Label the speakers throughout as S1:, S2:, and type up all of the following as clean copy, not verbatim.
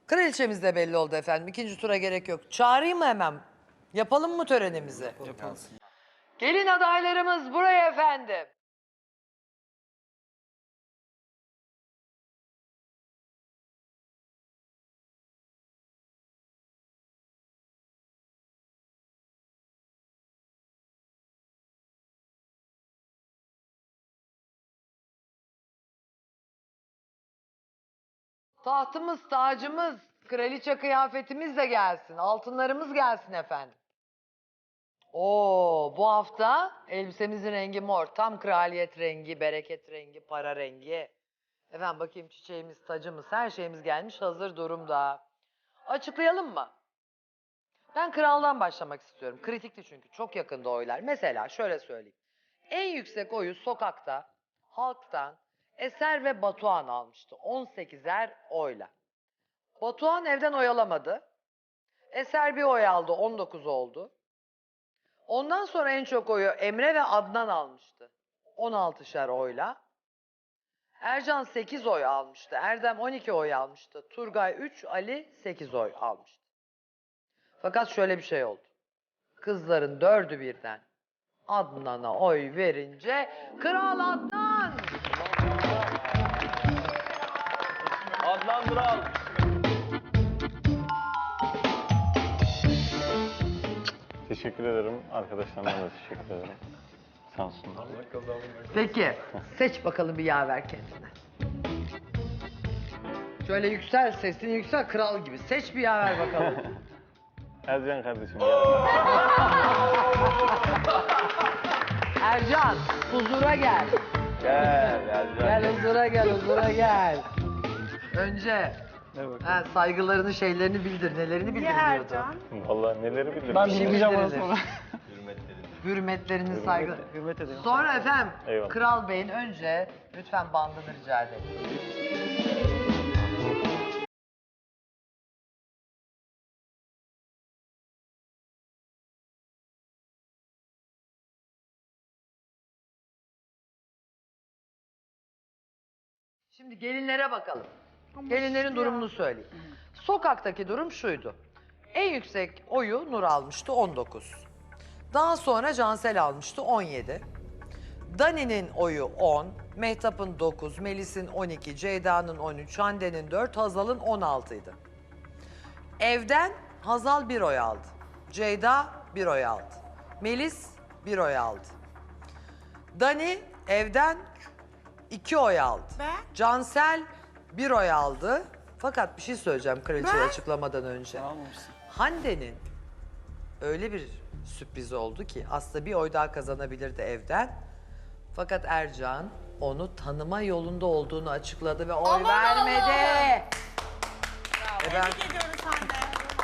S1: Kraliçemiz de belli oldu efendim. İkinci tura gerek yok. Çağırayım mı hemen? Yapalım mı törenimizi?
S2: Yapalım.
S1: Gelin adaylarımız buraya efendim. Tahtımız, tacımız, kraliçe kıyafetimiz de gelsin. Altınlarımız gelsin efendim. Oo, bu hafta elbisemizin rengi mor. Tam kraliyet rengi, bereket rengi, para rengi. Efendim bakayım çiçeğimiz, tacımız, her şeyimiz gelmiş hazır durumda. Açıklayalım mı? Ben kraldan başlamak istiyorum. Kritikti çünkü çok yakında oylar. Mesela şöyle söyleyeyim. En yüksek oyu sokakta, halktan Eser ve Batuhan almıştı. 18'er oyla. Batuhan evden oy alamadı. Eser bir oy aldı, 19 oldu. Ondan sonra en çok oyu Emre ve Adnan almıştı. 16'şer oyla. Ercan 8 oy almıştı. Erdem 12 oy almıştı. Turgay 3, Ali 8 oy almıştı. Fakat şöyle bir şey oldu. Kızların 4'ü birden Adnan'a oy verince Kral Adnan!
S2: Adnan Dural.
S3: Teşekkür ederim. Arkadaşlarıma da teşekkür ederim. Sağ olsunlar.
S1: Peki seç bakalım bir yaver kendine. Şöyle yüksel, sesini yüksel kral gibi. Seç bir yaver bakalım.
S3: Ercan kardeşim gel.
S1: Ercan huzura gel.
S3: Gel Ercan.
S1: Gel huzura gel, huzura gel. Önce saygılarını, şeylerini bildir. Nelerini bildirmiyordu?
S3: Vallahi neleri bildim.
S2: Ben
S1: Bir şey
S2: bilmeyeceğim onu
S1: bildirilir.
S2: sonra.
S1: Hürmetlerini, saygı.
S2: Hürmet ederim.
S1: Sonra efendim
S3: Eyvallah.
S1: Kral Bey'in önce lütfen bandını rica edelim. Şimdi gelinlere bakalım. Gelinlerin durumunu söyleyeyim. Sokaktaki durum şuydu. En yüksek oyu Nur almıştı 19. Daha sonra Cansel almıştı 17. Dani'nin oyu 10, Mehtap'ın 9, Melis'in 12, Ceyda'nın 13, Hande'nin 4, Hazal'ın 16 idi. Evden Hazal 1 oy aldı. Ceyda 1 oy aldı. Melis 1 oy aldı. Dani evden 2 oy aldı. Cansel 1 oy aldı. Fakat bir şey söyleyeceğim kraliçeyi açıklamadan önce.
S2: Almamışsın.
S1: Hande'nin öyle bir sürpriz oldu ki aslında bir oy daha kazanabilirdi evden. Fakat Ercan onu tanıma yolunda olduğunu açıkladı ve oy vermedi.
S4: Tebrik ediyoruz Hande.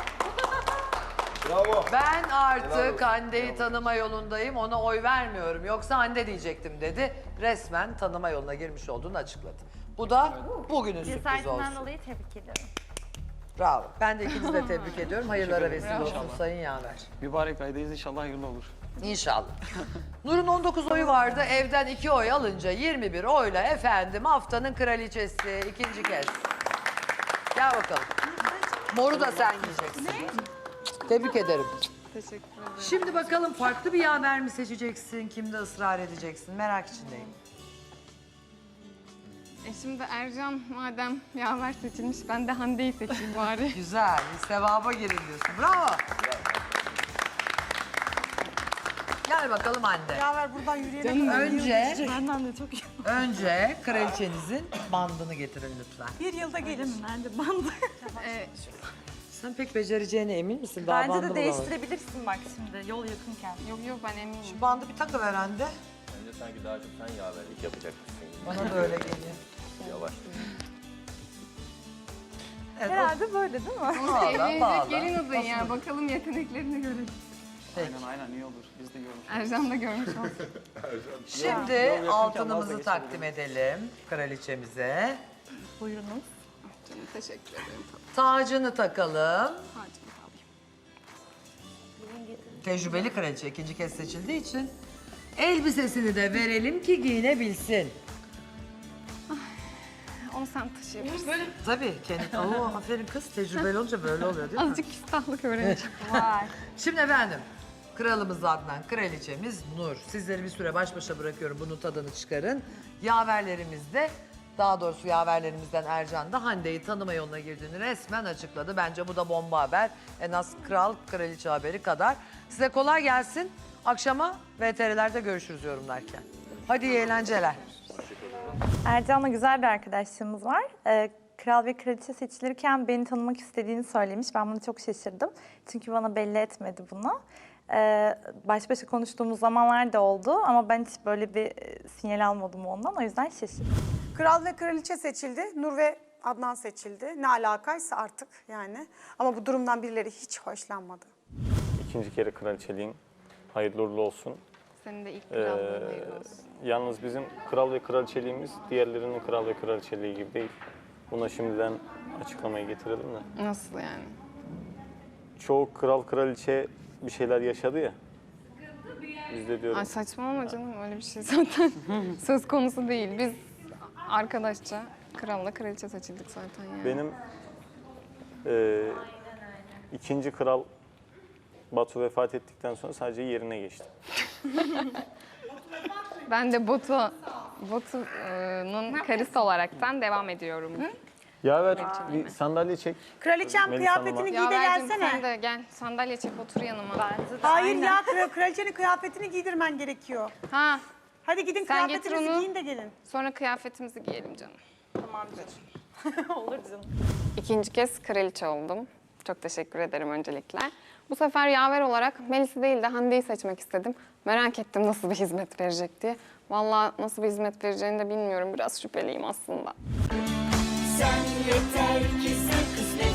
S1: Ben artık Hande'yi tanıma yolundayım, ona oy vermiyorum. Yoksa Hande diyecektim dedi. Resmen tanıma yoluna girmiş olduğunu açıkladı. Bu da bugünün sürprizi
S4: Cesaretimden
S1: olsun.
S4: dolayı tebrik ediyorum.
S1: Bravo. Ben de ikinizi de tebrik ediyorum. Hayırlara vesile olsun Sayın Yaver.
S2: Mübarek aydayız, inşallah hayırlı olur.
S1: İnşallah. Nur'un 19 oyu vardı. Evden 2 oy alınca 21 oyla efendim haftanın kraliçesi ikinci kez. Gel bakalım. Moru da sen giyeceksin. Tebrik ederim.
S5: Teşekkür ederim.
S1: Şimdi bakalım farklı bir yaver mi seçeceksin? Kimde ısrar edeceksin? Merak içindeyim.
S5: Şimdi Ercan madem yaver seçilmiş, ben de Hande'yi seçeyim bari.
S1: Güzel. Bir sevaba girin diyorsun. Bravo. Gel bakalım Hande.
S4: Yaver buradan yürüyerek
S1: Benden de çok iyi. Önce kraliçenizin bandını getirin lütfen.
S4: bir yılda gelir. Ben de bandı.
S1: Sen pek becereceğine emin misin? Daha
S4: Bence
S1: bandı
S4: de
S1: bulamadın.
S4: değiştirebilirsin bak şimdi yol yakınken.
S5: Yok ben eminim.
S1: Şu bandı bir takıver Hande.
S3: Bence sanki daha çok sen yaverlik yapacakmışsın.
S1: Bana da öyle geliyor.
S3: Yavaş.
S1: Evet,
S4: Herhalde böyle değil mi?
S1: Bağla,
S5: Evlenecek
S1: bağla.
S5: gelin adayı ya. Bakalım yeteneklerini görelim.
S1: Peki.
S2: Aynen iyi olur. Biz de görmüş.
S5: Ercan da görmüş olsun.
S1: Şimdi
S2: yakınken
S1: altınımızı
S2: vazgeçelim.
S1: takdim edelim kraliçemize.
S4: Buyurunuz.
S5: Canım teşekkür ederim.
S1: Tacını takalım.
S5: Tacımı da alayım.
S1: Tecrübeli kraliçe ikinci kez seçildiği için elbisesini de verelim ki giyinebilsin.
S5: onu sen taşıyabilirsin.
S1: Tabii kendi. Oo, aferin kız, tecrübeli olunca böyle oluyor değil mi?
S5: Azıcık küstahlık öğreneceğim.
S4: Vay.
S1: Şimdi efendim, kralımız Adnan, kraliçemiz Nur. Sizleri bir süre baş başa bırakıyorum, bunun tadını çıkarın. Yaverlerimiz de, daha doğrusu yaverlerimizden Ercan da Hande'yi tanıma yoluna girdiğini resmen açıkladı. Bence bu da bomba haber. En az kral, kraliçe haberi kadar. Size kolay gelsin. Akşama VTR'lerde görüşürüz yorumlarken. Hadi iyi eğlenceler.
S4: Ercan'la güzel bir arkadaşlığımız var. Kral ve kraliçe seçilirken beni tanımak istediğini söylemiş. Ben buna çok şaşırdım. Çünkü bana belli etmedi bunu. Baş başa konuştuğumuz zamanlar da oldu ama ben hiç böyle bir sinyal almadım ondan. O yüzden şaşırdım.
S6: Kral ve kraliçe seçildi. Nur ve Adnan seçildi. Ne alakaysa artık yani. Ama bu durumdan birileri hiç hoşlanmadı.
S3: İkinci kere kraliçeliğin hayırlı uğurlu olsun.
S5: Senin de ilk krallığın hayırlı olsun.
S3: Yalnız bizim kral ve kraliçeliğimiz diğerlerinin kral ve kraliçeliği gibi değil. Buna şimdiden açıklamayı getirelim de.
S5: Nasıl yani?
S3: Çoğu kral kraliçe bir şeyler yaşadı ya. Biz de diyorum.
S5: Ay saçmalama canım, öyle bir şey zaten söz konusu değil. Biz arkadaşça kralla kraliçe seçildik zaten yani.
S3: Benim ikinci kral Batu vefat ettikten sonra sadece yerine geçtim.
S5: Ben de Batu'nun karısı olaraktan devam ediyorum.
S3: Yaver bir sandalye çek.
S6: Kraliçem
S3: Melis
S6: kıyafetini giy de
S5: Yavercim
S6: gelsene.
S5: sen de gel, sandalye çek otur yanıma.
S6: Hayır ya, kraliçenin kıyafetini giydirmen gerekiyor.
S5: Ha,
S6: Hadi gidin
S5: Sen getir
S6: kıyafetinizi
S5: onu.
S6: giyin de gelin.
S5: sonra kıyafetimizi giyelim canım.
S4: Tamam canım. Olur canım.
S5: İkinci kez kraliçe oldum. Çok teşekkür ederim öncelikle. Bu sefer yaver olarak Melis'i değil de Hande'yi seçmek istedim. Merak ettim nasıl bir hizmet verecek diye. Vallahi nasıl bir hizmet vereceğini de bilmiyorum. Biraz şüpheliyim aslında.
S7: Sen yeter ki sen kısmet.